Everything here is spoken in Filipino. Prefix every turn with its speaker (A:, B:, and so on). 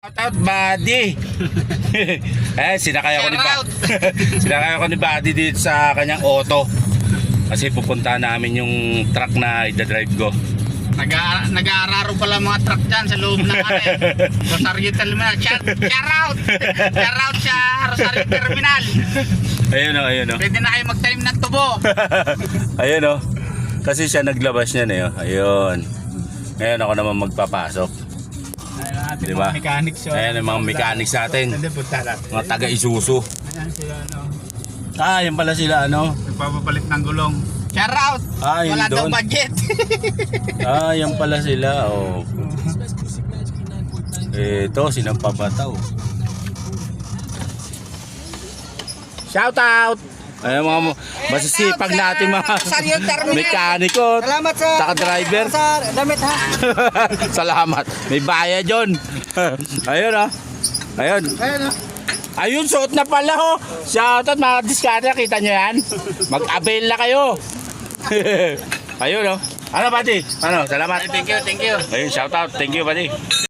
A: Shout out Buddy. Sinakay ako ni sinakay ako ni Buddy dito sa kanyang auto. Kasi pupunta namin yung truck na i-drive ko.
B: Nag-aararo pala mga truck dyan sa loob ng Rosario Terminal. Shout out! Shout out sa Rosario Terminal.
A: Ayun o, ayun o.
B: Pwede na kayo magtanim ng tubo.
A: Ayun o. Kasi siya naglabas niya na yun. Ayun. Ngayon ako naman magpapasok. Diba?
B: Mga mechanics yun.
A: Ayan ang mga mechanics natin. Mga taga-Isuzu.
B: Ayan sila
A: Yan pala sila
B: nagpapapalit ng gulong. Shout out!
A: Yun
B: Wala daw
A: doon.
B: budget.
A: Yan pala sila. Ito, sinampabataw. Shout out! Ayan mga masisipag natin mga
B: Rosario Terminal.
A: mekaniko.
B: Salamat sa
A: Saka driver.
B: Sa damit ha.
A: Salamat. May bayad yun. Ayun ah. Ayun.
B: Ayun ha.
A: Ayun, suot na pala ho. Shoutout mga diskarte. Kita nyo yan? Mag-avail na kayo. Ayun oh. Ano, buddy? Ano, salamat.
B: Thank you, thank you.
A: Ayun, shoutout. Thank you, buddy.